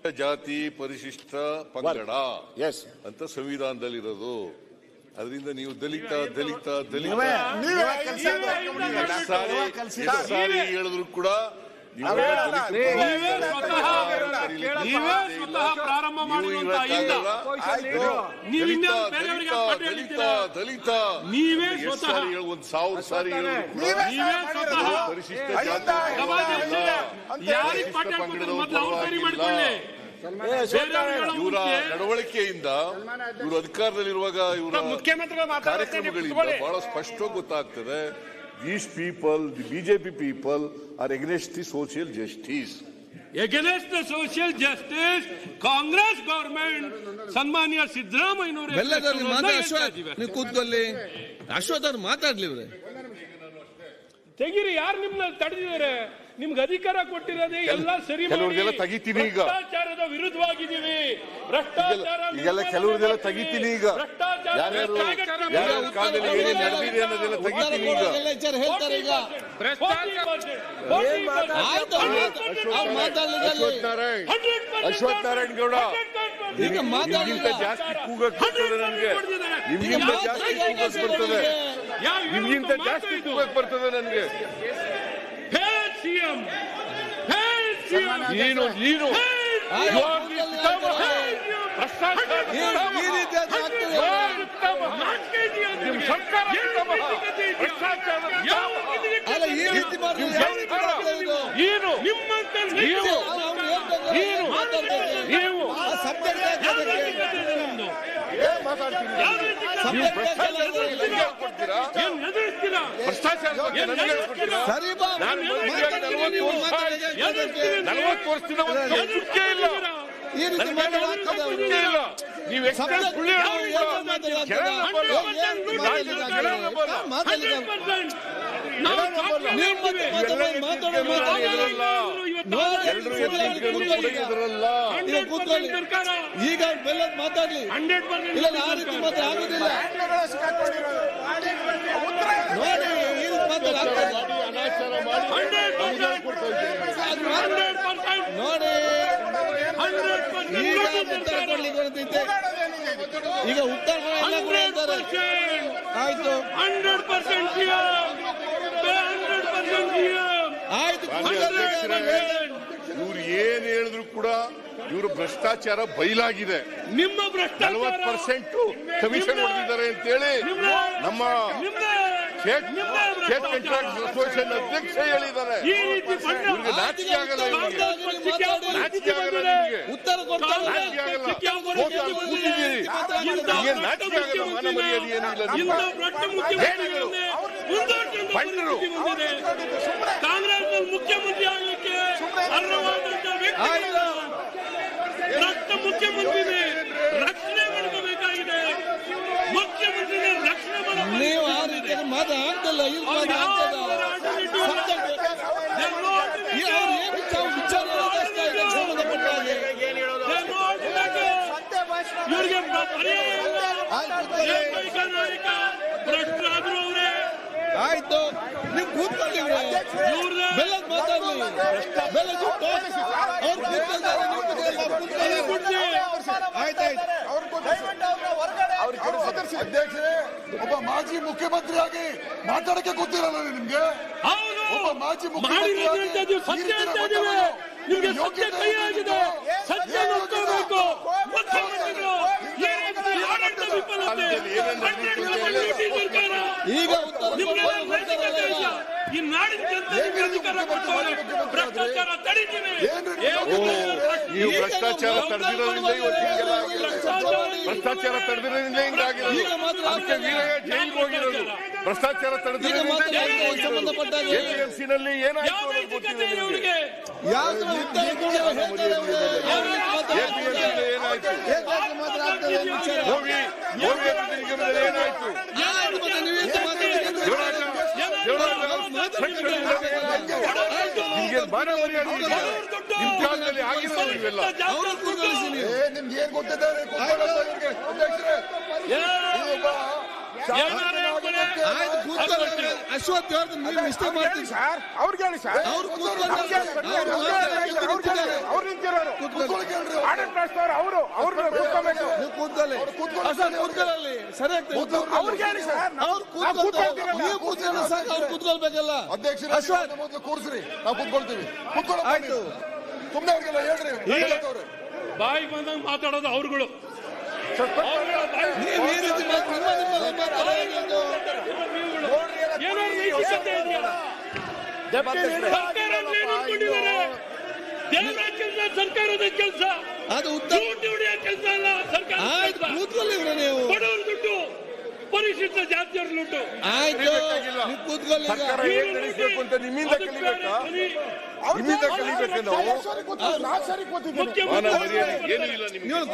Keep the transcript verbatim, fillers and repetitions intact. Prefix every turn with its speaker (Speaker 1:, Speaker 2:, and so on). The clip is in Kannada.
Speaker 1: ಜಾತಿ ಪರಿಶಿಷ್ಟ ಪಂಗಡ ಅಂತ ಸಂವಿಧಾನದಲ್ಲಿರೋದು. ಅದರಿಂದ ನೀವು ದಲಿತ ದಲಿತ ದಲಿತ ಸಾರಿ ಹೇಳಿದ್ರು ಕೂಡ
Speaker 2: ಪ್ರಾರಂಭ
Speaker 1: ದಲಿತ ದಲಿತ ನೀವೇ ಒಂದು ಸಾವಿರ ಸಾರಿ ಪರಿಶಿಷ್ಟ ಜಾತಿ ಇವರ ನಡವಳಿಕೆಯಿಂದ ಇವರು ಅಧಿಕಾರದಲ್ಲಿರುವಾಗ ಇವರ ಕಾರ್ಯಕ್ರಮಗಳಿಂದ ಬಹಳ ಸ್ಪಷ್ಟವಾಗಿ ಗೊತ್ತಾಗ್ತದೆ. These people, the B J P people, are against the social justice.
Speaker 2: Against the social justice, Congress government, ಸನ್ಮಾನ್ಯ ಸಿದ್ದರಾಮಯ್ಯನವರು
Speaker 3: ನೀವು ಕೂತ್ಕೊಳ್ಳಿ. ಅಶ್ವಥ್ ಅವ್ರು ಮಾತಾಡ್ಲಿ.
Speaker 2: ತೆಗೀರಿ, ಯಾರು ನಿಮ್ನ ತಡೆದಿದ್ದಾರೆ? ನಿಮ್ಗೆ ಅಧಿಕಾರ ಕೊಟ್ಟಿರೋದೇ ಎಲ್ಲ ಸರಿ
Speaker 1: ತೆಗಿತೀನಿ ಈಗ.
Speaker 2: ಭ್ರಷ್ಟಾಚಾರದ ವಿರುದ್ಧವಾಗಿದ್ದೀವಿ. ಭ್ರಷ್ಟಾಚಾರ
Speaker 1: ಈಗೆಲ್ಲ ಕೆಲವ್ರದೆಲ್ಲ ತೆಗಿತೀನಿ ಈಗ. ಯಾರ್ಯಾರು ಯಾರ್ಯಾರ ಕಾಲದಲ್ಲಿ ಏನೇನು ನಡೆದಿದೆ ಅನ್ನೋದೆಲ್ಲ ತೆಗಿತೀನಿ ಈಗ.
Speaker 3: ಹೇಳ್ತಾರೆ ಈಗ
Speaker 1: ಅಶ್ವಥ್ ನಾರಾಯಣ್ ಅಶ್ವಥ್ ನಾರಾಯಣ್ ಗೌಡ ನಿಮ್ಗಿಂತ ಜಾಸ್ತಿ ಕೂಗಕ್ ಬರ್ತದೆ ನನಗೆ. ನಿಮ್ಗಿಂತ ಜಾಸ್ತಿ ಕೂಗಕ್ ಬರ್ತದೆ ನಿಮ್ಗಿಂತ ಜಾಸ್ತಿ ಕೂಗಕ್ ಬರ್ತದೆ ನನಗೆ. ನೀನು ನೀನು ನಲವತ್ತು ವರ್ಷದಿಂದ ನಂಬಿಕೆ ಇಲ್ಲ. ನೀವು
Speaker 3: ಈಗ ಬೆಲ್ಲದ್ ಮಾತಾಡ್ಲಿ. ಇಲ್ಲ ಆ ರೀತಿ ಮಾತ್ರ ಆಗುದಿಲ್ಲ. ನೋಡಿ ಈ ರೀತಿ ಮಾತ್ರ ನೋಡಿ ಈಗ ಉತ್ತರ ಕೊಡ್ಲಿಕ್ಕೆ ಬರ್ತೈತೆ. ಈಗ ಉತ್ತರ ಆಯ್ತು
Speaker 2: ಹಂಡ್ರೆಡ್ ಪರ್ಸೆಂಟ್
Speaker 3: ಆಯ್ತು.
Speaker 1: ಇವ್ರು ಏನ್ ಹೇಳಿದ್ರು ಕೂಡ ಇವರು ಭ್ರಷ್ಟಾಚಾರ ಬಯಲಾಗಿದೆ.
Speaker 2: ನಿಮ್ಮ ಭ್ರಷ್ಟಾಚಾರ
Speaker 1: ನಲವತ್ತು ಪರ್ಸೆಂಟ್ ಕಮಿಷನ್ ಹೊಡೆದಿದ್ದಾರೆ ಅಂತೇಳಿ ನಮ್ಮ ಸ್ಟೇಟ್ ಕಾಂಟ್ರಾಕ್ಟ್ ಅಸೋಸಿಯೇಷನ್ ಅಧ್ಯಕ್ಷ ಹೇಳಿದ್ದಾರೆ. ಇವ್ರಿಗೆ ನಾಚಿಕೆ ಆಗಲ್ಲ. ನಾಚಿಕೆ ಆಗಲ್ಲ. ನಿಮಗೆ
Speaker 3: ಉತ್ತರ
Speaker 1: ನಾಚಿಕೆ ಆಗಲ್ಲ. ಕೂತಿದ್ದೀರಿ, ನಿಮಗೆ ನಾಚಿಕೆ ಆಗಲ್ಲ. ಮಾನ ಮರ್ಯಾದೆ ಏನೂ ಇಲ್ಲ. ಬಂದರು
Speaker 2: ಕಾಂಗ್ರೆಸ್ ಮುಖ್ಯಮಂತ್ರಿ ಆಗಲಿಕ್ಕೆ ಅರ್ಹವಾದಂತ ವ್ಯಕ್ತಿ ರಕ್ತ ಮುಖ್ಯಮಂತ್ರಿ ರಕ್ಷಣೆ ಮಾಡಬೇಕಾಗಿದೆ. ಮುಖ್ಯಮಂತ್ರಿ ರಕ್ಷಣೆ ಮಾಡಬೇಕು.
Speaker 3: ನೀವು ಆ ರೀತಿ ಮಾತಾಡ್ತಲ್ಲ.
Speaker 2: ಇವರಿಗೆ ಭ್ರಷ್ಟರಾದ್ರು ಅವರೇ.
Speaker 3: ಆಯ್ತು, ನೀವು ಕೂತ್ಕೊಳ್ಳಿ. ಬೆಲ್ಲದ್ ಮಾತಾಡ್ಲಿ. ಬೆಲ್ಲದ್ ಅವ್ರು
Speaker 4: ಅಧ್ಯಕ್ಷರೇ, ಒಬ್ಬ ಮಾಜಿ ಮುಖ್ಯಮಂತ್ರಿಯಾಗಿ ಮಾತಾಡಕ್ಕೆ ಗೊತ್ತಿರಲ್ಲ ನಿಮ್ಗೆ? ಒಬ್ಬ ಮಾಜಿ ಮುಖ್ಯಮಂತ್ರಿ
Speaker 2: ನಿಮ್ಗೆ ಸತ್ಯ ಕೈ ಆಗಿದೆ. ಸತ್ಯ ನೋಡ್ಕೋಬೇಕು. ಮುಖ್ಯಮಂತ್ರಿಗಳು
Speaker 3: ಈಗ
Speaker 2: ಈ ನಾಡಿನ ಜನತೆಗೆ ಅಧಿಕಾರ ಕೊಟ್ಟವರೆ ಭ್ರಷ್ಟಾಚಾರ ತಡೀತೀನಿ.
Speaker 1: ನೀವು ಭ್ರಷ್ಟಾಚಾರ ತಡೆದಿರೋದ್ರಿಂದ ಭ್ರಷ್ಟಾಚಾರ ತಡೆದಿರೋದ್ರಿಂದ ಹಿಂಗಾಗಿರೋದು. ಅದಕ್ಕೆ ವೀರಯ್ಯ ಜೈಲಿಗೆ ಹೋಗಿರೋದು. ಭ್ರಷ್ಟಾಚಾರ ತಡೆದಿರೋದ್ರಿಂದ ಎಪಿಎಂಸಿನಲ್ಲಿ ಏನಾಯ್ತು ಅನ್ನೋದು ಗೊತ್ತಿದೆ ನಿಮಗೆ. ಏನಾಯ್ತು ಹೋಗಿ ಹೋಗಿ ನಿಗಮದಲ್ಲಿ ಏನಾಯ್ತು? ನಿಮ್ಗೆ ಬಾರ ಮರ್ಯಾದೆ ನಿಮ್ ಕಾಲದಲ್ಲಿ ಆಗಿರೋದು ಇವೆಲ್ಲ.
Speaker 4: ನಿಮ್ಗೆ ಏನ್ ಗೊತ್ತಿದ್ದಾರೆ? ಅದಕ್ಕೆ
Speaker 3: ಆಯ್ತು ಕೂತ್ಕೊಳ್ಳಿ. ಅಶ್ವಥ್ ಅವ್ರದ್ದು ನೀವು ಮಿಸ್ಟೇಕ್ ಮಾಡ್ತೀವಿ
Speaker 2: ಸರ್ ಅವ್ರಿಗೆ ಹೇಳಿ ಸರ್
Speaker 3: ಅವ್ರು ಕೂತ್ಕೊಂಡು ಅವ್ರು ಮಾತಾಡಕ್ಕೆ
Speaker 2: ಅವ್ರು ನಿಂತಿರೋರು
Speaker 4: ಕೂತ್ಕೊಳ್ಳಿ ಕೇಳ್ರಿ
Speaker 2: ಆಡಳಿತ ನಡೆಸ್ತವ್ರು ಅವರು ಅವ್ರು ಕೂತ್ಕೋಬೇಕು
Speaker 3: ನೀವು ಕೂತ್ಕೊಳ್ಳಿ
Speaker 4: ಕೂತ್ಕೊಳ್ಳಿ.
Speaker 3: ಅಶ್ವಥ್ ಕೂತ್ಕೊಳ್ಳಿ ಸರಿ ಆಗ್ತದೆ
Speaker 2: ಅವ್ರಿಗೆ ಹೇಳಿ ಸರ್
Speaker 3: ಅವ್ರು ಕೂತ್ಕೊಂಡು ನೀವು ಕೂತ್ಕೊಂಡು ಸಾಕು ಅವ್ರು ಕೂತ್ಕೊಳ್ಬೇಕಲ್ಲ
Speaker 4: ಅಧ್ಯಕ್ಷರೇ
Speaker 3: ಅಶ್ವಥ್
Speaker 4: ಮೊದಲು ಕೂರಿಸ್ರಿ ನಾವು ಕೂತ್ಕೊಳ್ತೀವಿ ಕೂತ್ಕೊಳ್ಳ
Speaker 3: ಆಯ್ತು
Speaker 4: ಸುಮ್ಮನೆ ಅವ್ರಿಗೆಲ್ಲ ಹೇಳ್ರಿ ಅವ್ರೆ
Speaker 5: ಬಾಯಿ ಬಂದಂಗೆ ಮಾತಾಡೋದು ಅವ್ರುಗಳು
Speaker 3: ನೀವು ಈ ರೀತಿ ಮಾತ್- ನಿಮ್ಮ ನಿಮ್ಮಲ್ಲಿ ಮಾತಾಡೋದು
Speaker 5: ಏನಾದ್ರು ನೈತಿಕತೆ ಇದೆಯಾ? ಸರ್ಕಾರ ಏನು ಅನ್ಕೊಂಡಿದ್ದಾರೆ? ದೇವರಾಜ್ ಕೆಲಸ ಸರ್ಕಾರದ ಕೆಲಸ,
Speaker 3: ಅದು ಉತ್ತರ
Speaker 5: ದುಡ್ಡು ಹೊಡೆಯೋ ಕೆಲಸ ಅಲ್ಲ ಸರ್ಕಾರ.
Speaker 3: ಆಯ್ತು ಕೂತ್ಕೊಳ್ಳಿ ಇವ್ರೆ ನೀವು
Speaker 5: ಬಡವರ ದುಡ್ಡು, ಪರಿಶಿಷ್ಟ ಜಾತಿಯವರ ದುಡ್ಡು.
Speaker 3: ಆಯ್ತು ನೀವು ಕೂತ್ಕೊಳ್ಳಿ ಈಗ.
Speaker 5: ಇವ್ರು ನಡೆಸಬೇಕು ಅಂತ ನಿಮ್ಮಿಂದ ಕಲಿಬೇಕಾ?
Speaker 1: ನಿಮ್ಮಿಂದ ಕಲಿಬೇಕು ನಾವು
Speaker 2: ನಾವು ಸರಿ ಕೂತ್ಕೊಳ್ಳಿ, ನಾವು ಸರಿ ಕೂತಿದ್ದೀವಿ.
Speaker 5: ಮುಖ್ಯಮಂತ್ರಿ
Speaker 1: ಮಾನ ಮರ್ಯಾದೆ ಏನೂ ಇಲ್ಲ ನಿಮ್ಗೆ.
Speaker 3: ನೀವು